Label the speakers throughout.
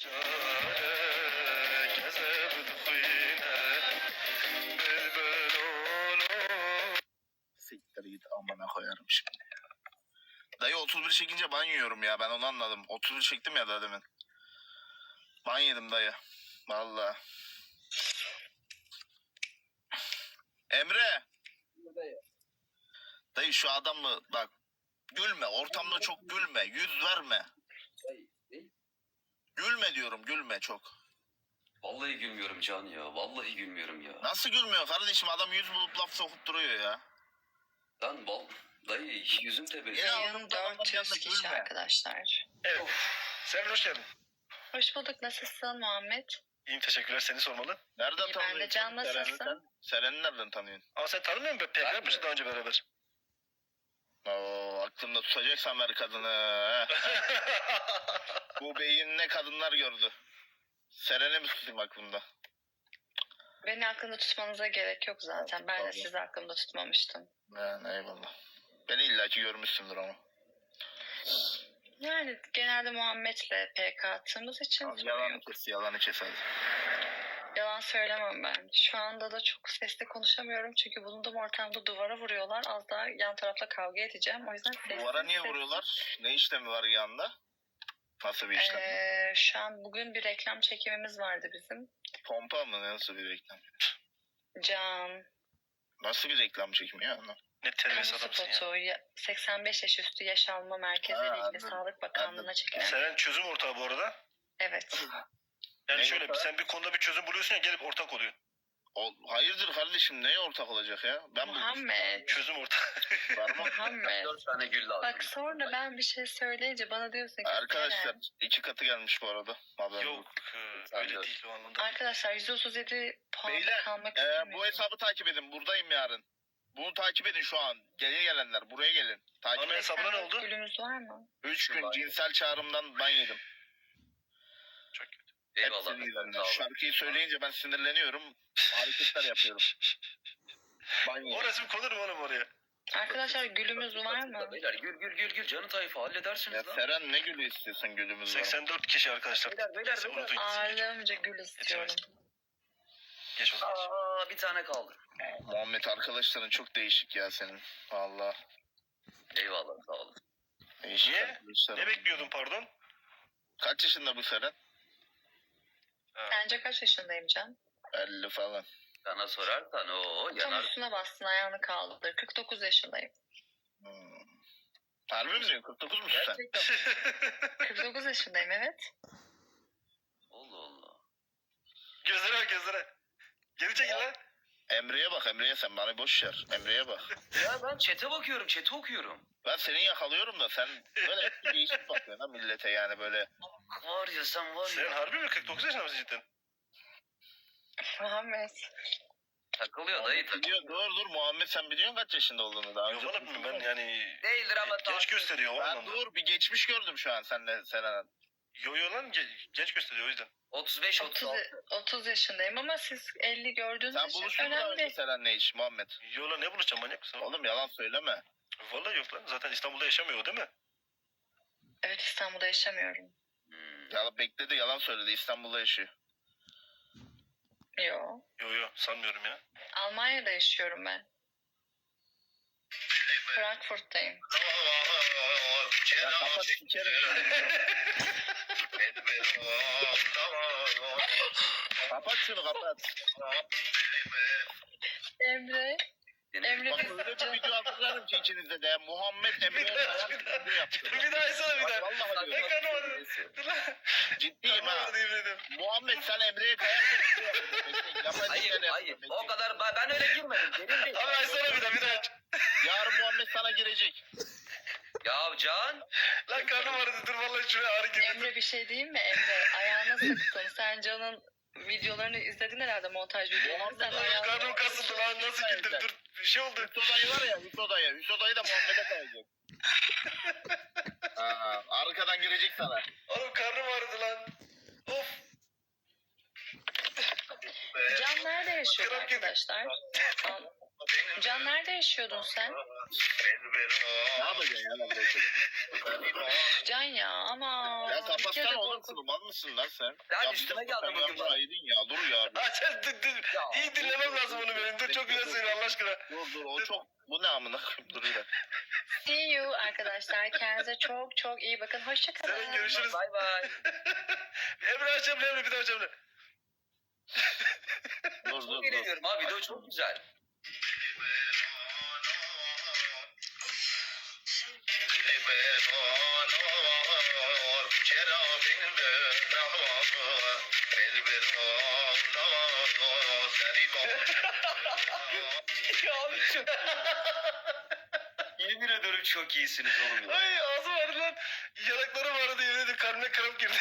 Speaker 1: Siktir git amına koyarım şimdi. Dayı 31 çekince ban yiyorum ya, ben onu anladım. 31 çektim ya da demin. Ban yedim dayı. Vallahi. Emre. Dayı şu adam mı bak, gülme ortamda, çok gülme, yüz verme. Gülme diyorum, gülme çok.
Speaker 2: Vallahi gülmüyorum Can ya. Vallahi gülmüyorum ya.
Speaker 1: Nasıl gülmüyor kardeşim, adam yüz bulup laf sokup duruyor ya.
Speaker 2: Lan dayı yüzüm tebrik.
Speaker 3: Yayın 400 kişi arkadaşlar.
Speaker 4: Evet. Sen hoş geldin.
Speaker 3: Hoş bulduk. Nasılsın Muhammed?
Speaker 4: İyiyim, teşekkürler. Seni sormalı.
Speaker 1: Nereden
Speaker 3: İyi, ben de
Speaker 1: tanıyorsun?
Speaker 3: Can, nasılsın?
Speaker 1: Seren'i nereden tanıyorsun?
Speaker 4: Ama sen tanımıyor musun? PK yapmışsın daha önce beraber.
Speaker 1: Oo, aklında tutacaksan ver kadını. Bu beyinle kadınlar gördü. Seren'i mi tutayım aklımda?
Speaker 3: Beni aklında tutmanıza gerek yok zaten. Ben de sizi aklımda tutmamıştım.
Speaker 1: Yani eyvallah. Beni illaki görmüşsündür ama.
Speaker 3: Yani genelde Muhammed'le PK attığımız için sorun
Speaker 1: Yalanı
Speaker 3: yok.
Speaker 1: kes, yalanı kes hadi.
Speaker 3: Yalan söylemem ben. Şu anda da çok sesli konuşamıyorum çünkü bulunduğum ortamda duvara vuruyorlar. Az daha yan tarafla kavga edeceğim. O yüzden sesli.
Speaker 1: Duvara niye vuruyorlar? Ne işlemi var yanında? Nasıl bir işlem?
Speaker 3: Şu an bugün bir reklam çekimimiz vardı bizim.
Speaker 1: Pompa mı? Nasıl bir reklam?
Speaker 3: Can,
Speaker 1: Nasıl bir reklam çekimi ya?
Speaker 4: Ne
Speaker 3: kamu
Speaker 4: terbiyesiz adamsın ya.
Speaker 3: spotu, 85 yaş üstü yaş alma merkeziyle
Speaker 1: Ha,
Speaker 3: ilgili
Speaker 1: anladım.
Speaker 3: Sağlık Bakanlığı'na çekilen.
Speaker 4: Seren çözüm ortağı bu arada.
Speaker 3: Evet.
Speaker 4: Yani
Speaker 1: Ne
Speaker 4: şöyle
Speaker 1: ortağı?
Speaker 4: sen bir konuda bir çözüm buluyorsun ya, gelip ortak oluyor.
Speaker 1: Hayırdır kardeşim, neye ortak olacak ya? Ben
Speaker 3: Muhammed.
Speaker 4: Çözüm ortağı.
Speaker 1: Var mı?
Speaker 3: Muhammed.
Speaker 2: 4 tane gül lazım.
Speaker 3: Bak sonra ben bir şey söyleyince bana diyorsun ki
Speaker 1: Arkadaşlar
Speaker 3: Seren.
Speaker 1: 2 katı gelmiş bu arada. Haberiniz
Speaker 4: Yok öyle değil o anlamda.
Speaker 3: Arkadaşlar 137 puanda
Speaker 1: Beyler,
Speaker 3: kalmak istemiyorum.
Speaker 1: bu hesabı takip edin. Buradayım yarın. Bunu takip edin şu an. Gelin gelenler buraya gelin. Takip
Speaker 4: Ana
Speaker 1: edin.
Speaker 4: hesabına ne oldu?
Speaker 3: Gülümüz var mı?
Speaker 1: 3 gün cinsel çağrımdan ban yedim.
Speaker 4: Çok kötü.
Speaker 2: Eyvallah.
Speaker 1: Hepsini yüzünden.
Speaker 2: Sağ olun.
Speaker 1: Şarkıyı söyleyince ben sinirleniyorum. Hareketler yapıyorum. Ban
Speaker 4: O
Speaker 1: yedim.
Speaker 4: resim konur mu oğlum oraya?
Speaker 3: Arkadaşlar gülümüz var mı?
Speaker 2: Beyler gül canı tayfa
Speaker 1: Ya
Speaker 2: halledersiniz lan.
Speaker 1: Seren ne gülü istiyorsun gülümüz var.
Speaker 4: 84 kişi arkadaşlar.
Speaker 2: Beyler.
Speaker 4: Neyse, unutun.
Speaker 3: Ağırlığımca gül istiyorum.
Speaker 4: Geç o zaman.
Speaker 2: Aa, bir tane kaldı.
Speaker 1: Muhammed arkadaşların çok değişik ya senin. Valla.
Speaker 2: Eyvallah sağ olun.
Speaker 1: Değişik
Speaker 4: Niye?
Speaker 1: arkadaşların.
Speaker 4: Ne bekliyordun pardon?
Speaker 1: Kaç yaşında bu Seren?
Speaker 3: Sence kaç yaşındayım Can?
Speaker 1: 50 falan.
Speaker 2: Sana sorarsan o
Speaker 3: Tam
Speaker 2: yanar.
Speaker 3: üstüne bastın ayağını kaldır. 49 yaşındayım.
Speaker 1: Harbi mi diyorsun? 49 musun sen?
Speaker 2: Gerçekten.
Speaker 3: 49 yaşındayım evet.
Speaker 2: Allah Allah.
Speaker 4: Gözlere bak gözlere. Geri çekil lan.
Speaker 1: Emre'ye bak, Emre'ye, sen bana boş ver. Emre'ye bak.
Speaker 2: Ya ben chat'e bakıyorum, chat'i okuyorum.
Speaker 1: Ben seni yakalıyorum da sen böyle değişik bakıyorsun ha millete, yani böyle.
Speaker 2: Var ya sen var
Speaker 4: Sen
Speaker 2: ya.
Speaker 4: harbi mi 49 yaşında mısın cidden?
Speaker 3: Muhammed.
Speaker 2: Takılıyor dayı takılıyor.
Speaker 1: Biliyor, dur Muhammed, sen biliyorsun kaç yaşında olduğunu daha
Speaker 4: Yok
Speaker 1: önce.
Speaker 4: oğlum ben yani
Speaker 2: Değildir ama
Speaker 4: genç gösteriyor o
Speaker 1: Ben
Speaker 4: anlamda.
Speaker 1: dur bir geçmiş gördüm şu an seninle Seren.
Speaker 4: Yo lan genç gösteriyor o yüzden.
Speaker 2: 35
Speaker 3: 30,
Speaker 2: 36.
Speaker 3: 30 yaşındayım ama siz 50 gördüğünüz
Speaker 1: Sen
Speaker 3: için
Speaker 1: buluştun mu daha önce
Speaker 3: önemli.
Speaker 1: Seren'le hiç Muhammed?
Speaker 4: Yo lan ne buluşacağım manyak mısın?
Speaker 1: Oğlum yalan söyleme.
Speaker 4: Vallahi yok lan zaten İstanbul'da yaşamıyor o değil mi?
Speaker 3: Evet İstanbul'da yaşamıyorum.
Speaker 1: Ya bekledi, yalan söyledi, İstanbul'da yaşıyor.
Speaker 3: Yo.
Speaker 4: Yo sanmıyorum ya.
Speaker 3: Almanya'da yaşıyorum ben. Frankfurt'tayım.
Speaker 1: Ya kapat sikerim. Kapat şunu, kapat.
Speaker 3: Emre. Emre
Speaker 1: Bak öyle bir video hazırlarım ki içinizde de. Muhammed Emre'ye sayan video yaptı.
Speaker 4: Bir daha etsene bir daha.
Speaker 1: Vallahi
Speaker 4: Ne
Speaker 1: diyorum.
Speaker 4: kanı var? Dur lan.
Speaker 1: Ciddiyim ha.
Speaker 4: Kanı var yemin
Speaker 1: Muhammed sen Emre'ye kayarsan video yapıyorsun.
Speaker 2: Hayır. O kadar ben öyle girmedim. Derin değil.
Speaker 4: Abi açsana bir daha aç.
Speaker 1: Yarın Muhammed sana girecek.
Speaker 2: Ya Can.
Speaker 4: Lan karnım ağrıdı dur vallahi şuraya ağrı girdi.
Speaker 3: Emre bir şey diyeyim mi Emre? Ayağına sıktın. Sen Can'ın videolarını izledin herhalde, montaj videolarını. Sen ayağına...
Speaker 4: Karnım kasıldı lan nasıl girdim dur bir şey oldu.
Speaker 1: Hüsodayı var ya, Hüsodayı. Hüsodayı da Muhammed'e kayacak. Arkadan girecek sana.
Speaker 4: Oğlum karnım ağrıdı lan. Of.
Speaker 3: Can nerede yaşıyor
Speaker 4: Kram girdi.
Speaker 3: arkadaşlar? Can nerede yaşıyordun sen?
Speaker 1: Ne yapacaksın ya lan böyle?
Speaker 3: Can ya ama.
Speaker 1: Ya
Speaker 3: bir kere
Speaker 1: kapatsana oğlum
Speaker 3: korkut-
Speaker 1: şunu, mal mısın lan sen?
Speaker 2: Lan
Speaker 1: Ya
Speaker 2: üstüme
Speaker 1: bir
Speaker 2: geldi
Speaker 1: sen
Speaker 2: bugün
Speaker 1: yanına
Speaker 2: bana.
Speaker 1: aydın ya, dur ya.
Speaker 4: Ha sen iyi dinlemem lazım onu benim. Dur çok güzel söylüyor Allah aşkına.
Speaker 1: Dur o çok, bu ne amına koyayım, dur ya.
Speaker 3: See you arkadaşlar. Kendinize çok çok iyi bakın. Hoşçakalın.
Speaker 4: Senin görüşürüz.
Speaker 2: Bay bay.
Speaker 4: Emre açalım Emre bir daha açalım.
Speaker 1: Dur
Speaker 2: Çok
Speaker 1: dur.
Speaker 2: eğleniyorum abi. Video çok güzel. Ya abi çok... Yemin ediyorum çok iyisiniz oğlum ya.
Speaker 4: Ay ağzım ağrıdı lan. Yanaklarım ağrıdı yemin ederim. Kalbime kramp girdi.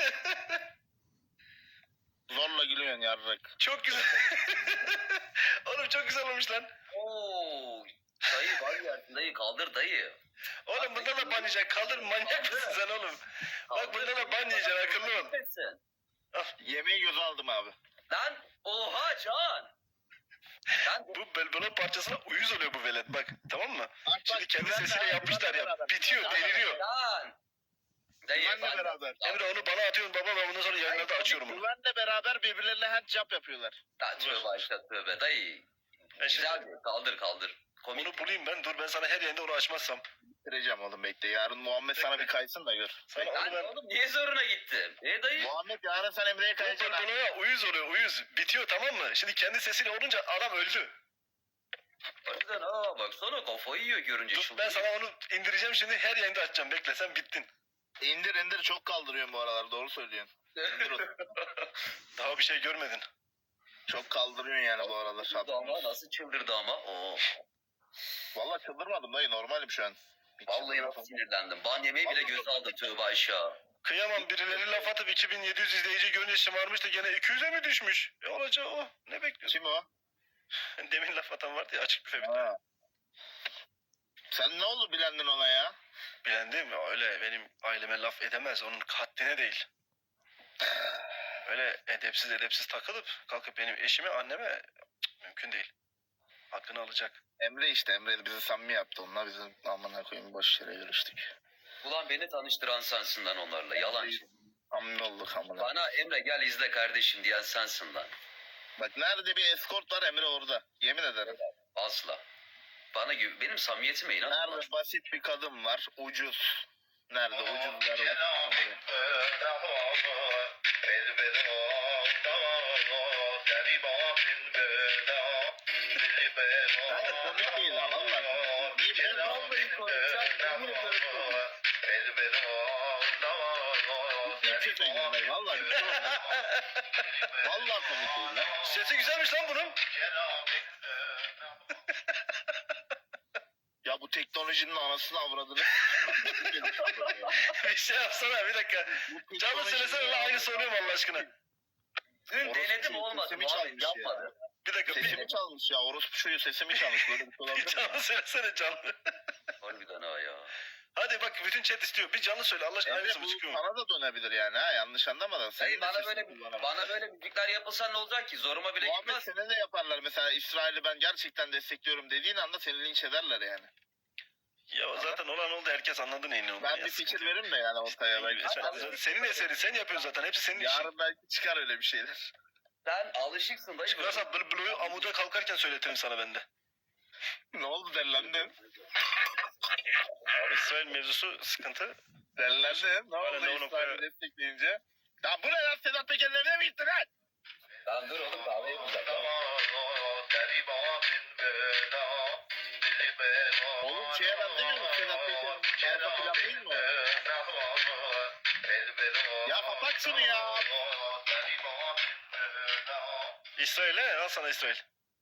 Speaker 1: Zorla gülüyorsun yarrak.
Speaker 4: Çok güzel. Oğlum çok güzel olmuş lan.
Speaker 2: Oo, dayı var ya dayı kaldır dayı.
Speaker 4: Oğlum bunda da ban yiyeceksin. Kaldır manyak mısın sen oğlum? Bak bunda da ban yiyeceksin akıllı ol.
Speaker 2: Gitmesin.
Speaker 1: Yemeği göze aldım abi.
Speaker 2: Lan oha Can. Lan
Speaker 4: Bu belbelon parçasına uyuz oluyor bu velet bak tamam mı?
Speaker 1: Bak,
Speaker 4: Şimdi kendi
Speaker 1: güvenle
Speaker 4: sesiyle
Speaker 1: abi,
Speaker 4: yapmışlar
Speaker 1: güvenle
Speaker 4: ya.
Speaker 1: beraber.
Speaker 4: Bitiyor
Speaker 1: Güvenle
Speaker 4: deliriyor.
Speaker 2: Lan. Dayı
Speaker 1: Güvenle
Speaker 2: ben-
Speaker 1: beraber.
Speaker 4: Emre onu bana atıyorsun baba ben bundan sonra yayınlarda açıyorum onu.
Speaker 1: Güvenle beraber birbirlerine handjob yapıyorlar.
Speaker 2: Lan tövbe aşağı tövbe dayı.
Speaker 4: Ben şimdi
Speaker 2: Güzel bir kaldır kaldır. Komik.
Speaker 4: onu bulayım ben. Dur ben sana her yayında onu açmazsam.
Speaker 1: Bitireceğim oğlum, bekle. Yarın Muhammed sana bir kaysın da gör.
Speaker 4: Sana
Speaker 2: Lan
Speaker 4: onu ben...
Speaker 2: oğlum niye zoruna gittin? Dayı?
Speaker 1: Muhammed yarın sen Emre'ye
Speaker 4: Bu
Speaker 1: kayacaksın ha.
Speaker 4: belbelona uyuz oluyor uyuz. Bitiyor tamam mı? Şimdi kendi sesiyle olunca adam öldü.
Speaker 2: Harbiden ha baksana kafayı yiyor görünce
Speaker 4: Dur ben sana onu indireceğim şimdi her yayında açacağım. Bekle sen bittin.
Speaker 1: İndir çok kaldırıyorsun bu aralar, doğru söylüyorsun. İndir onu.
Speaker 4: Daha bir şey görmedin.
Speaker 1: Çok kaldırıyorsun yani bu aralar.
Speaker 2: Çıldırdı ama nasıl çıldırdı ama. Oo.
Speaker 1: Valla çıldırmadım dayı, normalim şu an. Hiç
Speaker 2: Vallahi
Speaker 1: çıldırmadım.
Speaker 2: nasıl sinirlendim. Ban yemeği bile göze aldım tövbe aşağı.
Speaker 4: Kıyamam birileri laf atıp 2700 izleyici görünce şımarmıştı gene 200'e mi düşmüş? Olacağı o. Ne bekliyorsun?
Speaker 1: Kim o?
Speaker 4: Demin laf atan vardı ya açık büfe bir tane.
Speaker 1: Ha. Sen ne oldu bilendin ona ya?
Speaker 4: Bilendim öyle benim aileme laf edemez onun haddine değil. Öyle edepsiz takılıp kalkıp benim eşime anneme mümkün değil. Hakkını alacak.
Speaker 1: Emre işte, Emre bizi samimi yaptı onunla, bizim amına koyayım boş yere görüştük.
Speaker 2: Ulan beni tanıştıran sensin lan onlarla yalancı.
Speaker 1: Samimi olduk amına.
Speaker 2: Bana Emre gel izle kardeşim diyen sensin lan.
Speaker 1: Bak nerede bir eskort var, Emre orada. Yemin ederim.
Speaker 2: Asla. Bana benim samimiyetime inanma.
Speaker 1: Nerede basit bir kadın var, ucuz. Nerede ucuzlar var. Hayır komik değil ha, vallahi komik değil. Niye biliyor musun?
Speaker 2: Vallahi komik, sen yemin ederim komik.
Speaker 1: Ciddi bir şey söylüyorum ben, vallahi bir şey olmaz. Vallahi komik değil lan.
Speaker 4: Sesi güzelmiş lan bunun.
Speaker 1: Ya bu teknolojinin anasını avradını.
Speaker 4: Bir şey yapsana bir dakika. Canlı söylesene lan aynı soruyorum Allah aşkına.
Speaker 2: Dün
Speaker 1: Orospu
Speaker 2: denedim
Speaker 1: çocuğu
Speaker 2: olmadı.
Speaker 1: sesimi
Speaker 2: Muhammed
Speaker 1: çalmış ya.
Speaker 2: yapmadı.
Speaker 4: Bir dakika
Speaker 1: Sesimi çalmış ya, orospu çocuğu sesimi çalmış. Böyle bir şey
Speaker 4: bir
Speaker 1: olabilir mi?
Speaker 4: canlı söylesene canlı.
Speaker 2: Harbiden ha ya.
Speaker 4: Hadi bak bütün chat istiyor. Bir canlı söyle Allah aşkına
Speaker 1: Emre
Speaker 4: aynısı
Speaker 1: bu
Speaker 4: bu çıkıyor mu?
Speaker 1: sana da dönebilir yani ha, yanlış anlamadan. Senin
Speaker 2: Dayı
Speaker 1: de
Speaker 2: bana
Speaker 1: sesini
Speaker 2: böyle
Speaker 1: kullanamazsın.
Speaker 2: bana böyle müzikler yapılsa ne olacak ki? Zoruma bile
Speaker 1: Muhammed
Speaker 2: gitmez.
Speaker 1: seni de yaparlar. Mesela İsrail'i ben gerçekten destekliyorum dediğin anda seni linç ederler yani.
Speaker 4: Ya zaten olan oldu herkes anladı neyin ne olduğunu.
Speaker 1: Ben
Speaker 4: ya,
Speaker 1: bir
Speaker 4: sıkıntı
Speaker 1: fikir
Speaker 4: yok.
Speaker 1: veririm de yani ortaya belki.
Speaker 4: Senin eserin sen yapıyorsun zaten hepsi senin işin.
Speaker 1: Yarın belki çıkar öyle bir şeyler.
Speaker 2: Sen alışıksın dayı.
Speaker 4: Çıkarsa Blue'yu amuda kalkarken söyletirim sana ben de.
Speaker 1: Ne oldu, dellendin?
Speaker 4: İsrail mevzusu sıkıntı.
Speaker 1: Dellendin. Ne oldu
Speaker 4: Aynen, onu
Speaker 1: İsrail'i
Speaker 4: koyuyor.
Speaker 1: destekleyince? Ya bu ne lan, Sedat Peker'in evine mi gittin lan?
Speaker 2: Lan dur oğlum kahve yapacağım.
Speaker 1: Oğlum şeye benzemiyor mu Sedat Peker'in arka plan değil mi? Ya kapat şunu ya.
Speaker 4: İsrail'e al sana İsrail.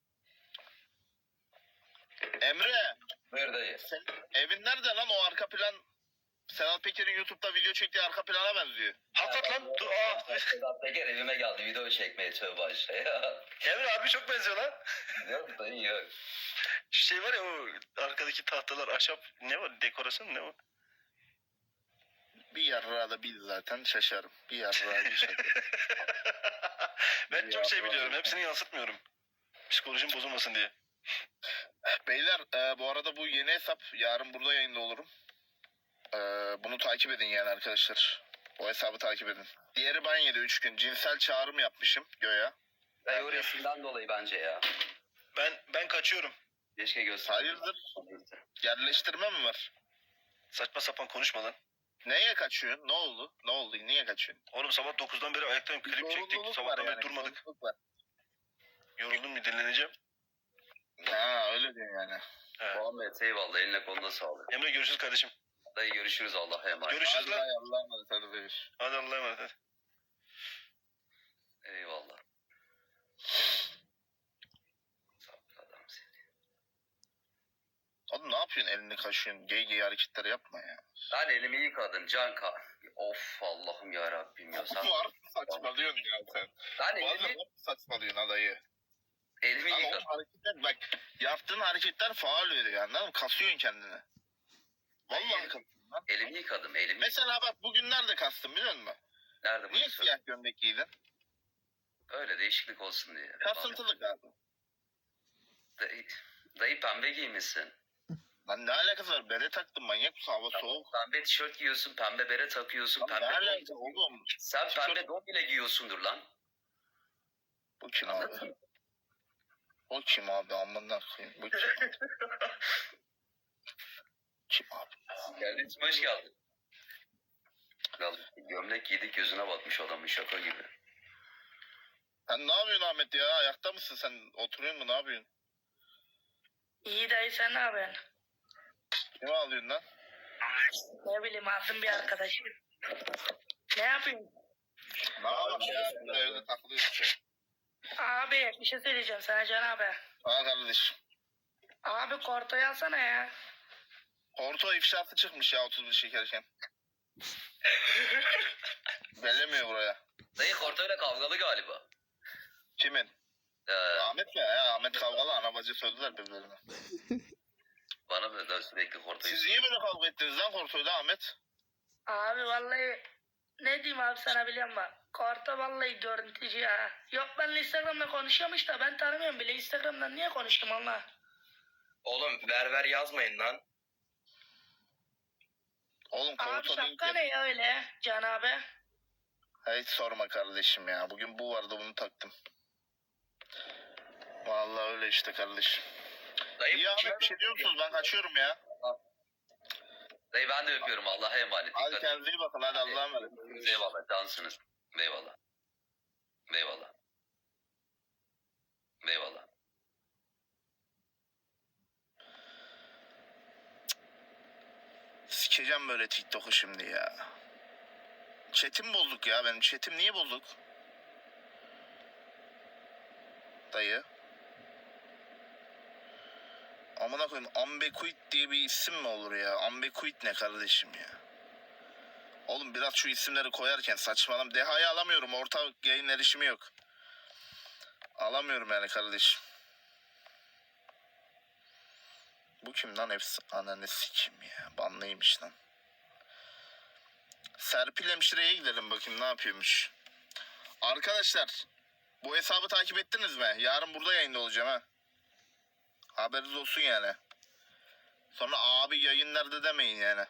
Speaker 1: Emre,
Speaker 2: Buyur dayı.
Speaker 1: sen evin nerede lan, o arka plan? Sedat Peker'in YouTube'da video çektiği arka plana benziyor.
Speaker 4: Hakikat lan. Dur,
Speaker 2: Sedat Peker evime geldi video çekmeye tövbe aşağıya.
Speaker 4: Emre abi çok benziyor lan.
Speaker 2: Yok dayı yok.
Speaker 4: Şu şey var ya o arkadaki tahtalar ahşap ne var dekorasyon ne o?
Speaker 1: Bir yarrağı da bil zaten, şaşarım. Bir yarrağı bir şaka.
Speaker 4: Ben çok şey
Speaker 1: Ya,
Speaker 4: biliyorum
Speaker 1: vallahi.
Speaker 4: hepsini yansıtmıyorum. Psikolojim bozulmasın diye.
Speaker 1: Beyler bu arada bu yeni hesap. Yarın burada yayında olurum. Bunu takip edin yani arkadaşlar. O hesabı takip edin. Diğeri ban yedi 3 gün. Cinsel çağrım yapmışım göya.
Speaker 2: Dayı o resimden dolayı bence ya.
Speaker 4: Ben kaçıyorum.
Speaker 2: Keşke göster.
Speaker 1: Hayırdır? Yerleştirme mi var?
Speaker 4: Saçma sapan konuşma lan.
Speaker 1: Neye kaçıyorsun? Ne oldu? Ne oldu? Niye kaçıyorsun?
Speaker 4: Oğlum sabah 9'dan beri ayaktayım. Klip çektik.
Speaker 1: Zorunluluk
Speaker 4: Sabahtan
Speaker 1: var
Speaker 4: beri durmadık.
Speaker 1: zorunluluk var.
Speaker 4: Yoruldum bir dinleneceğim.
Speaker 1: Ha öyle diyorsun yani.
Speaker 4: He.
Speaker 2: Muhammed eyvallah, eline koluna sağlık.
Speaker 4: Emre görüşürüz kardeşim.
Speaker 2: Dayı görüşürüz, Allah'a emanet.
Speaker 4: Görüşürüz
Speaker 1: Hadi
Speaker 4: lan.
Speaker 1: Allah'a emanet hadi beyler.
Speaker 4: Hadi Allah'a emanet. Hadi.
Speaker 2: Eyvallah. Adam seni.
Speaker 1: Oğlum ne yapıyorsun elini kaşıyorsun? Gay hareketler yapma ya.
Speaker 2: Ben elimi yıkadım Canka. Of Allah'ım ya Rabbim ya. Sen...
Speaker 1: Var saçmalıyorsun ya sen.
Speaker 2: Ben
Speaker 1: Vallahi
Speaker 2: elimi,
Speaker 1: saçmalıyorsun adayı.
Speaker 2: elimi
Speaker 1: Lan
Speaker 2: yıkadım.
Speaker 1: o hareketler bak yaptığın hareketler faal veriyor anladın mı? Kasıyorsun kendini. Vallahi
Speaker 2: Hayır.
Speaker 1: kasıyorsun lan.
Speaker 2: Elimi yıkadım, elimi.
Speaker 1: Mesela bak bugün nerede kastın biliyor musun?
Speaker 2: Nerede bu?
Speaker 1: Niye siyah gömlek giydin?
Speaker 2: Öyle değişiklik olsun diye.
Speaker 1: Kasıntılık abi.
Speaker 2: Dayı, dayı pembe giymişsin.
Speaker 1: Lan ne alakası var? Bere taktım manyak mısın? Hava soğuk.
Speaker 2: Pembe tişört giyiyorsun, pembe bere takıyorsun,
Speaker 1: Lan ne
Speaker 2: pembe
Speaker 1: alakası
Speaker 2: don.
Speaker 1: oğlum?
Speaker 2: Sen pembe don bile giyiyorsundur lan.
Speaker 1: Bu kim abi?
Speaker 2: Anladın mı?
Speaker 1: O kim abi? Amına koyayım. Bu kim? Kim abi?
Speaker 2: Kardeşim hoş geldin. Ya, gömlek giydik gözüne batmış adamın, şaka gibi.
Speaker 1: Sen ne yapıyorsun Ahmet ya? Ayakta mısın sen? Oturuyor mu? Ne yapıyorsun?
Speaker 5: İyi dayı sen ne yapıyorsun?
Speaker 1: Kimi alıyorsun lan?
Speaker 5: Ne bileyim aldım bir arkadaşım. Ne yapıyorsun?
Speaker 1: Ne yapalım ya? Burada evde takılıyoruz işte.
Speaker 5: Abi bir şey söyleyeceğim sana Can abi.
Speaker 1: Ha kardeşim.
Speaker 5: Abi kortoyu alsana ya.
Speaker 1: Porto ifşası çıkmış ya 31 şekerken. Bellemiyor buraya.
Speaker 2: Dayı Korto'yla kavgalı galiba.
Speaker 1: Kimin? Ahmet mi? Ya Ahmet kavgalı anabacı söylediler birbirlerine.
Speaker 2: Bana da sürekli Korto'yu
Speaker 1: Siz niye böyle kavga ettiniz lan Korto'yla Ahmet?
Speaker 5: Abi vallahi ne diyeyim abi sana biliyor musun? Korto vallahi görüntücü ya. Yok benimle Instagram'da konuşuyormuş da ben tanımıyorum bile. Instagram'dan niye konuştum Allah?
Speaker 6: Oğlum ver yazmayın lan.
Speaker 1: Oğlum
Speaker 5: Abi
Speaker 1: Korto değil
Speaker 5: şapka
Speaker 1: ki.
Speaker 5: ne ya öyle Can abi?
Speaker 1: Hiç sorma kardeşim ya. Bugün bu vardı bunu taktım. Vallahi öyle işte kardeşim.
Speaker 6: Dayı
Speaker 1: İyi Ahmet bir şey diyor musunuz? Ben kaçıyorum ya.
Speaker 2: Dayı ben de öpüyorum, Allah'a emanet.
Speaker 1: Hadi
Speaker 2: Dikkat
Speaker 1: kendinize iyi bakın. Hadi Allah'a emanet.
Speaker 2: edin. Eyvallah, cansınız. Eyvallah. Eyvallah. Eyvallah.
Speaker 1: Sikeceğim böyle TikTok'u şimdi ya. Chat'im bozuk ya benim. Chat'im niye bozuk? Dayı. Amına koyayım Ambekuit diye bir isim mi olur ya? Ambekuit ne kardeşim ya? Oğlum biraz şu isimleri koyarken saçmalam. Deha'yı alamıyorum. Orta yayın erişimi yok. Alamıyorum yani kardeşim. Bu kim lan hepsi? Ananı sikim ya. Banlıymış lan. Serpil hemşireye gidelim bakayım ne yapıyormuş. Arkadaşlar bu hesabı takip ettiniz mi? Yarın burada yayında olacağım ha. Haberiniz olsun yani. Sonra abi yayın nerede demeyin yani.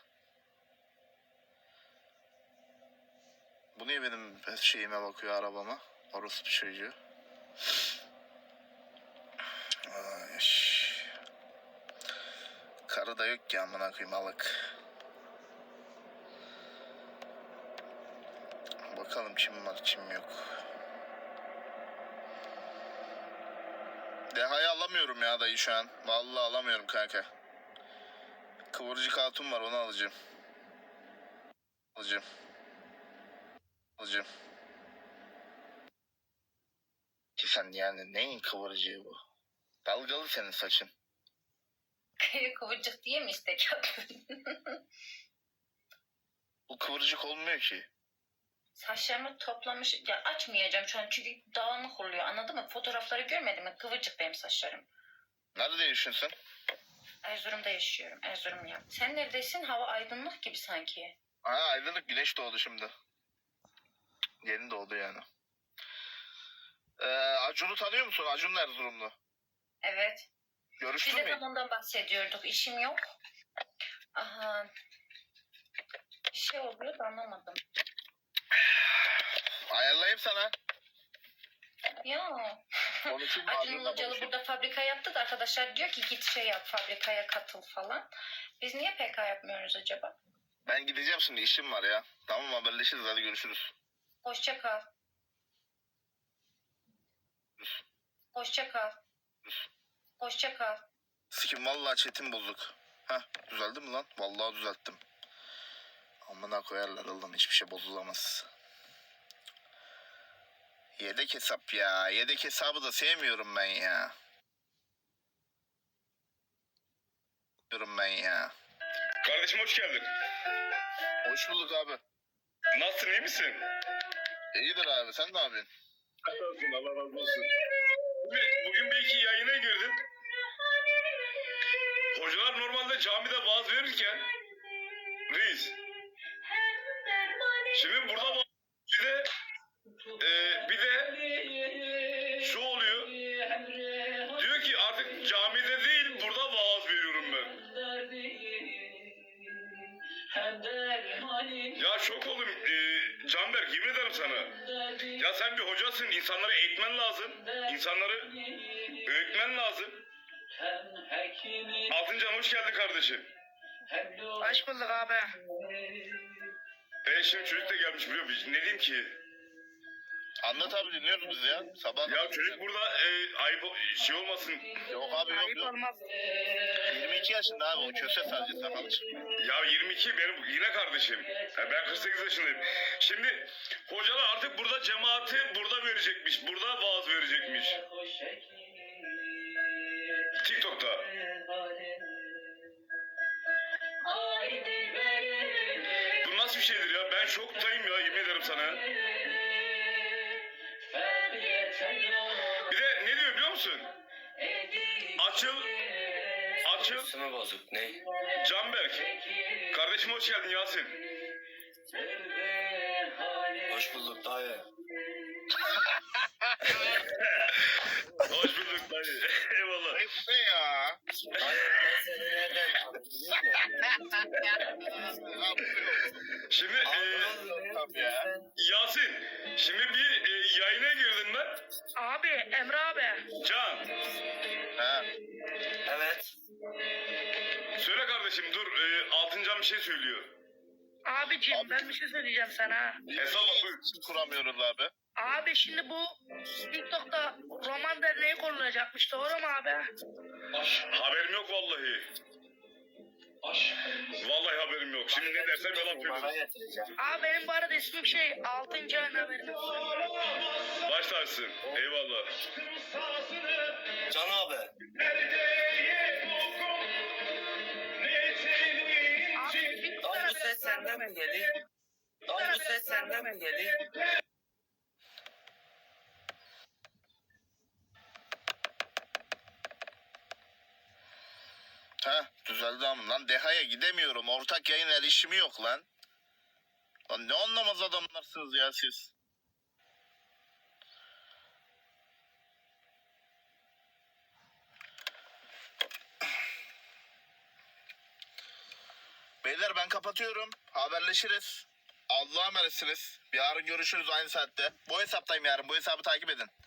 Speaker 1: Bu niye benim şeyime bakıyor arabama? Orospu çocuğu. Ay. Karı da yok ki amına koyayım alık. Bakalım kim var kim yok. Deha'yı alamıyorum ya dayı şu an. Vallahi alamıyorum kanka. Kıvırcık hatun var onu alacağım. Alacağım. Ki sen yani neyin kıvırcığı bu? Dalgalı senin saçın.
Speaker 3: Kıvırcık diye mi istek yaptın?
Speaker 1: Bu kıvırcık olmuyor ki.
Speaker 3: Saçlarımı toplamış. Ya açmayacağım şu an çünkü dağınık oluyor. Anladın mı? Fotoğrafları görmedin mi? Kıvırcık benim saçlarım.
Speaker 1: Nerede yaşıyorsun sen?
Speaker 3: Erzurum'da yaşıyorum. Erzurumluyum. Sen neredesin? Hava aydınlık gibi sanki.
Speaker 1: Ha aydınlık güneş doğdu şimdi. Yeni doğdu yani. Acun'u tanıyor musun? Acun Erzurumlu.
Speaker 3: Evet.
Speaker 1: Görüştün
Speaker 7: Biz de
Speaker 1: mü?
Speaker 7: tam ondan bahsediyorduk. İşim yok. Aha. Bir şey oluyor da anlamadım.
Speaker 1: Ayarlayayım sana.
Speaker 7: Ya.
Speaker 1: Konuşayım.
Speaker 7: Acun
Speaker 1: ağzınla
Speaker 7: Ilıcalı
Speaker 1: konuşayım.
Speaker 7: burada fabrika yaptı da arkadaşlar diyor ki git şey yap, fabrikaya katıl falan. Biz niye PK yapmıyoruz acaba?
Speaker 1: Ben gideceğim şimdi, işim var ya. Tamam, haberleşiriz, hadi görüşürüz.
Speaker 7: Hoşça kal. Hoşça kal. Hoşça kal.
Speaker 1: Sikim vallahi chatim bozuk. Heh, düzeldi mi lan? Vallahi düzelttim. Amına koyarlar oğlum, hiçbir şey bozulamaz. Yedek hesap ya. Yedek hesabı da sevmiyorum ben ya. Diyorum ben ya.
Speaker 4: Kardeşim hoş geldin.
Speaker 1: Hoş bulduk abi.
Speaker 4: Nasılsın, iyi misin?
Speaker 1: İyidir abi, sen ne yapıyorsun?
Speaker 4: Allah olsun, Allah razı olsun. Bugün belki yayına girdin. Hocalar normalde camide vaaz verirken reis. Şimdi burada bir de şu oluyor. Diyor ki artık camide değil burada vaaz veriyorum ben. Ya şok oldum. Canberk, yemin ederim sana. Ya sen bir hocasın. İnsanları eğitmen lazım. İnsanları öğütmen lazım. Altıncan hoş geldin kardeşim.
Speaker 5: Hoş bulduk abi.
Speaker 4: Şimdi çocuk da gelmiş biliyor musun? Ne diyeyim ki?
Speaker 1: Anlat abi, dinliyoruz biz ya. Sabah
Speaker 4: Ya çocuk burada ayıp şey olmasın.
Speaker 1: Yok abi, yok
Speaker 5: Ayıp
Speaker 1: yok.
Speaker 5: olmaz.
Speaker 1: 22 yaşında abi, o köse sadece sakalı çıkıyor.
Speaker 4: Ya 22 benim yine kardeşim. Ben 48 yaşındayım. Şimdi hocalar artık burada cemaati burada verecekmiş. Burada vaaz verecekmiş. TikTok'ta. Bu nasıl bir şeydir ya? Ben şoktayım ya, yemin ederim sana. Bir de ne diyor biliyor musun? Açıl.
Speaker 2: Üstüme bozuk ne?
Speaker 4: Canberk. Kardeşim hoş geldin Yasin.
Speaker 2: Hoş bulduk dayı.
Speaker 4: Hoş bulduk dayı. Eyvallah.
Speaker 1: Bu ne ya?
Speaker 2: Dayı ben seni nereden
Speaker 4: Şimdi
Speaker 1: Tabii ya.
Speaker 4: Yasin. Şimdi bir yayına girdin ben.
Speaker 5: Abi Emre abi.
Speaker 4: Can.
Speaker 1: Ha.
Speaker 2: Evet.
Speaker 4: Söyle kardeşim dur. Altıncan bir şey söylüyor.
Speaker 5: Abicim ben bir şey söyleyeceğim sana.
Speaker 4: Hesap buyur.
Speaker 1: İsim kuramıyoruz abi.
Speaker 5: Abi şimdi bu TikTok'ta roman derneği kurulacakmış, doğru mu abi?
Speaker 4: Haberim yok vallahi. Vallahi haberim yok. Şimdi ne dersem yalan
Speaker 2: Bana
Speaker 4: söylüyorum.
Speaker 2: getireceğim.
Speaker 5: Abi benim bu arada ismim şey Altıncı'nın haberini.
Speaker 4: Baş tacısın. Eyvallah.
Speaker 2: Can abi.
Speaker 5: Abi bir
Speaker 2: Dayı bu ses senden mi geliyor? Dayı bu ses senden mi geliyor?
Speaker 1: Ha, düzeldi ama lan, Deha'ya gidemiyorum. Ortak yayın erişimi yok lan. Lan ne anlamaz adamlarsınız ya siz. Beyler ben kapatıyorum. Haberleşiriz. Allah'a emanetsiniz. Yarın görüşürüz aynı saatte. Bu hesaptayım yarın. Bu hesabı takip edin.